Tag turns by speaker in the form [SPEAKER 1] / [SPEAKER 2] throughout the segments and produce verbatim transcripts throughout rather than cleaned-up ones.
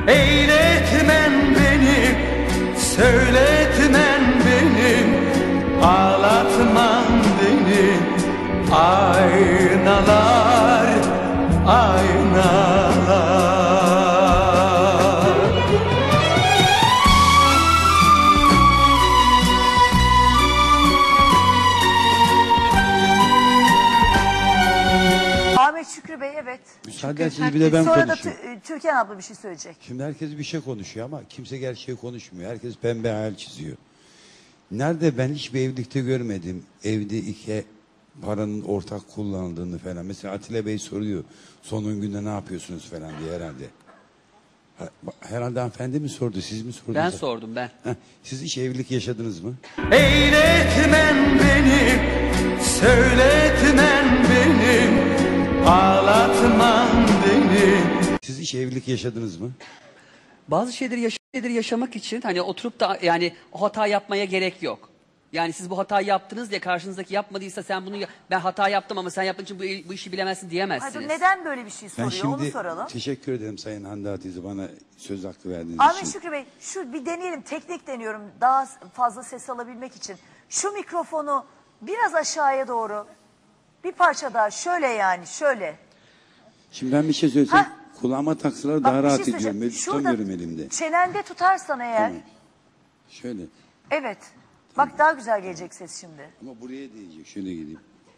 [SPEAKER 1] Eyletmen beni, söyletmen beni, ağlatman beni. Aynalar, aynalar.
[SPEAKER 2] Ahmet Şükrü Bey, evet.
[SPEAKER 3] Müsaade etseniz bir de ben
[SPEAKER 2] Sonra
[SPEAKER 3] konuşayım.
[SPEAKER 2] da Türkan abla bir şey söyleyecek.
[SPEAKER 3] Şimdi herkes bir şey konuşuyor ama kimse gerçeği konuşmuyor. Herkes pembe hayal çiziyor. Nerede ben hiçbir evlilikte görmedim. Evde iki paranın ortak kullanıldığını falan. Mesela Atilla Bey soruyor. Sonun günde ne yapıyorsunuz falan diye herhalde. Herhalde hanımefendi mi sordu, siz mi sordunuz?
[SPEAKER 4] Ben sordum ben.
[SPEAKER 3] Heh, siz hiç evlilik yaşadınız mı?
[SPEAKER 1] Eyletmen beni, söyletmen beni, ağlatman beni.
[SPEAKER 3] Siz hiç evlilik yaşadınız mı?
[SPEAKER 4] Bazı şeyleri, yaş şeyleri yaşamak için hani oturup da yani o hata yapmaya gerek yok. Yani siz bu hatayı yaptınız diye karşınızdaki yapmadıysa sen bunu ben hata yaptım ama sen yaptığın için bu, bu işi bilemezsin diyemezsiniz.
[SPEAKER 2] Hadi neden böyle bir şey
[SPEAKER 3] Ben
[SPEAKER 2] soruyor onu
[SPEAKER 3] şimdi
[SPEAKER 2] soralım.
[SPEAKER 3] teşekkür ederim Sayın Hande Hatice bana söz hakkı verdiğiniz
[SPEAKER 2] Ahmet
[SPEAKER 3] için.
[SPEAKER 2] Şükrü Bey, şu bir deneyelim, teknik deniyorum daha fazla ses alabilmek için. Şu mikrofonu biraz aşağıya doğru, bir parça daha, şöyle yani şöyle.
[SPEAKER 3] Şimdi ben bir şey söylesem
[SPEAKER 2] Hah.
[SPEAKER 3] kulağıma taksalar
[SPEAKER 2] Bak,
[SPEAKER 3] daha
[SPEAKER 2] bir
[SPEAKER 3] rahat
[SPEAKER 2] şey
[SPEAKER 3] ediyorum. Ben
[SPEAKER 2] söyleyeceğim.
[SPEAKER 3] tutamıyorum elimde.
[SPEAKER 2] Çenende tutarsan eğer,
[SPEAKER 3] Tamam. Şöyle.
[SPEAKER 2] evet. Bak daha güzel gelecek ses şimdi.
[SPEAKER 3] Ama buraya değecek. Şöyle gideyim.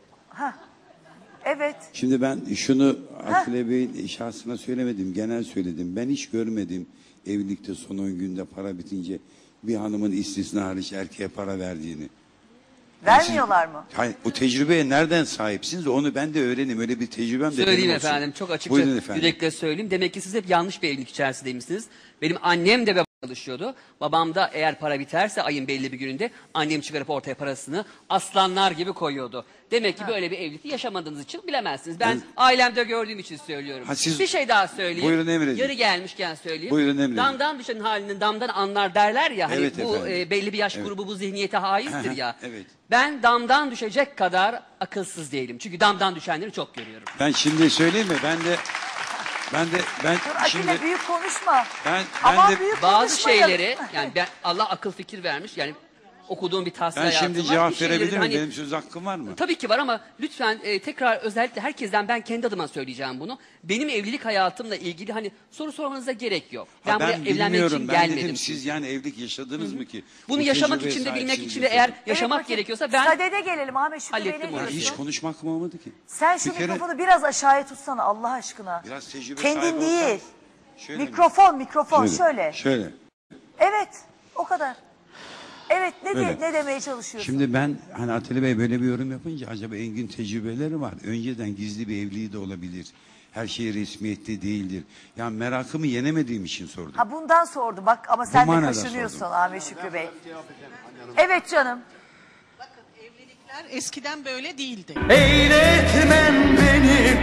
[SPEAKER 2] Evet.
[SPEAKER 3] Şimdi ben şunu Atilla Bey'in şahsına söylemedim. Genel söyledim. Ben hiç görmedim evlilikte son on günde para bitince bir hanımın istisna hariç erkeğe para verdiğini.
[SPEAKER 2] Vermiyorlar mı?
[SPEAKER 3] Hayır, bu tecrübeye nereden sahipsiniz? Onu ben de öğreneyim. Öyle bir tecrübem de
[SPEAKER 4] Söyleyeyim
[SPEAKER 3] benim olsun.
[SPEAKER 4] efendim, çok açıkça
[SPEAKER 3] Buyurun efendim.
[SPEAKER 4] yürekle söyleyeyim. Demek ki siz hep yanlış bir evlilik içerisindeymişsiniz. Benim annem de çalışıyordu. Babam da eğer para biterse ayın belli bir gününde annem çıkarıp ortaya parasını aslanlar gibi koyuyordu. Demek ki ha. böyle bir evlilik yaşamadığınız için bilemezsiniz. Ben, ben ailemde gördüğüm için söylüyorum. Ha, siz... Bir şey daha söyleyeyim.
[SPEAKER 3] Buyurun emredin.
[SPEAKER 4] Yarı gelmişken söyleyeyim.
[SPEAKER 3] Buyurun emredin.
[SPEAKER 4] Damdan düşen halinin damdan anlar derler ya. Hani
[SPEAKER 3] evet,
[SPEAKER 4] bu e, belli bir yaş evet. grubu bu zihniyete haizdir ya.
[SPEAKER 3] Evet.
[SPEAKER 4] Ben damdan düşecek kadar akılsız değilim. Çünkü damdan düşenleri çok görüyorum.
[SPEAKER 3] Ben şimdi söyleyeyim mi? Ben de Ben de ben
[SPEAKER 2] Dur,
[SPEAKER 3] şimdi
[SPEAKER 2] Atilla büyük konuşma.
[SPEAKER 3] Ben,
[SPEAKER 2] ben
[SPEAKER 3] Ama
[SPEAKER 2] de büyük
[SPEAKER 4] bazı şeyleri yani ben Allah akıl fikir vermiş yani okuduğum bir tahsil
[SPEAKER 3] ben şimdi
[SPEAKER 4] var.
[SPEAKER 3] cevap verebilir miyim?
[SPEAKER 4] Hani,
[SPEAKER 3] benim söz hakkım var mı?
[SPEAKER 4] Tabii ki var ama lütfen e, tekrar özellikle herkesten ben kendi adıma söyleyeceğim bunu. Benim evlilik hayatımla ilgili hani soru sormanıza gerek yok. Ben,
[SPEAKER 3] ha, ben
[SPEAKER 4] buraya evlenmek için
[SPEAKER 3] ben
[SPEAKER 4] gelmedim.
[SPEAKER 3] Dedim, siz yani evlilik yaşadınız Hı -hı. mı ki?
[SPEAKER 4] Bunu
[SPEAKER 3] Bu
[SPEAKER 4] yaşamak için de bilmek için de eğer yaşamak evet, gerekiyorsa ben
[SPEAKER 2] Sadede gelelim Ahmet Şükrü Bey ne diyorsun?
[SPEAKER 3] Hiç konuşmak mı olmadı ki?
[SPEAKER 2] Sen şu bir mikrofonu kere... biraz aşağıya tutsana Allah aşkına.
[SPEAKER 3] Biraz tecrübe
[SPEAKER 2] Kendin değil.
[SPEAKER 3] Şöyle
[SPEAKER 2] mikrofon,
[SPEAKER 3] mi?
[SPEAKER 2] mikrofon şöyle.
[SPEAKER 3] Şöyle. Şöyle.
[SPEAKER 2] Evet, o kadar. Evet, ne, de, ne demeye çalışıyorsun?
[SPEAKER 3] Şimdi ben hani Atilla Bey böyle bir yorum yapınca acaba Engin tecrübeleri var. Önceden gizli bir evliliği de olabilir. Her şey resmiyette değildir. Yani merakımı yenemediğim için sordum.
[SPEAKER 2] Ha bundan sordu bak ama sen de kaşınıyorsun sordum. Ahmet Şükrü Bey. Evet canım.
[SPEAKER 5] Bakın evlilikler eskiden böyle değildi.
[SPEAKER 1] Eyletmen beni,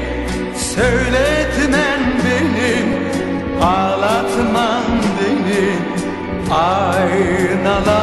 [SPEAKER 1] söyletmen beni, ağlatman beni, aynalar.